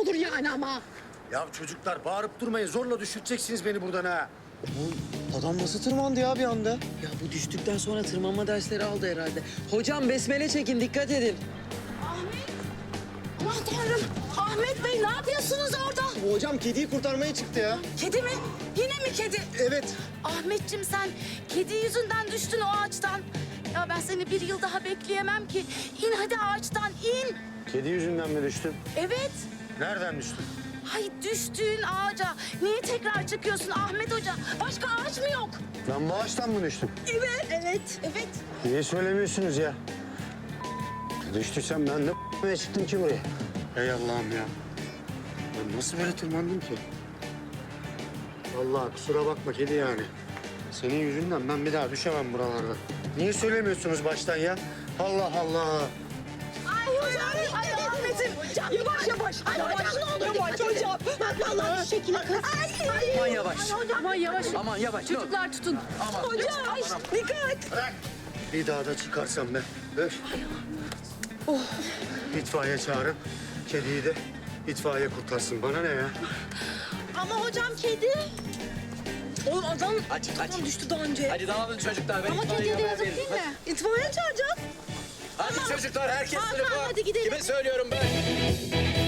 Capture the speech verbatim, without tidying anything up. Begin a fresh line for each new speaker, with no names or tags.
olur yani ama.
Ya çocuklar bağırıp durmayın. Zorla düşürteceksiniz beni buradan ha.
Adam nasıl tırmandı ya bir anda?
Ya bu düştükten sonra tırmanma dersleri aldı herhalde. Hocam besmele çekin, dikkat edin.
Aman Tanrım. Ahmet Bey ne yapıyorsunuz orada?
Hocam kediyi kurtarmaya çıktı ya.
Kedi mi? Yine mi kedi?
Evet.
Ahmetciğim sen kedi yüzünden düştün o ağaçtan. Ya ben seni bir yıl daha bekleyemem ki. İn hadi ağaçtan in.
Kedi yüzünden mi düştün?
Evet.
Nereden düştün?
Hay düştüğün ağaca. Niye tekrar çıkıyorsun Ahmet Hoca? Başka ağaç mı yok?
Ben bu ağaçtan mı düştüm?
Evet. Evet. Evet.
Niye söylemiyorsunuz ya? Düştüysem ben de çıktım ki buraya. Ey Allah'ım ya. Ben nasıl böyle tırmandım ki? Vallahi kusura bakma kedi yani. Senin yüzünden ben bir daha düşemem buralarda. Niye söylemiyorsunuz baştan ya? Allah Allah.
Ay hocam. Ay Ahmet'im. Yavaş yavaş. Ay hocam ne olur yavaş hocam. Bak vallahi şu şekilde kız. Ay.
Aman yavaş.
Ay hocam. Aman yavaş.
Aman yavaş.
Çocuklar tutun.
Aman.
Hocam. Ay, dikkat.
Bırak. Bir daha da çıkarsam ben. Öf. Oh. İtfaiye çağırın. Kediyi de itfaiye kurtarsın. Bana ne ya?
Ama hocam kedi. Oğlum adam,
Hadi,
adam
hadi.
düştü daha önce.
Hadi dağılın çocuklar. Ben
Ama
itfaiye
kediye de
haber
yazık
veririm.
değil mi? İtfaiye çağıracağız.
Hadi, hadi çocuklar herkes
Hakan,
sınıfa.
hadi gidelim.
Kime söylüyorum ben?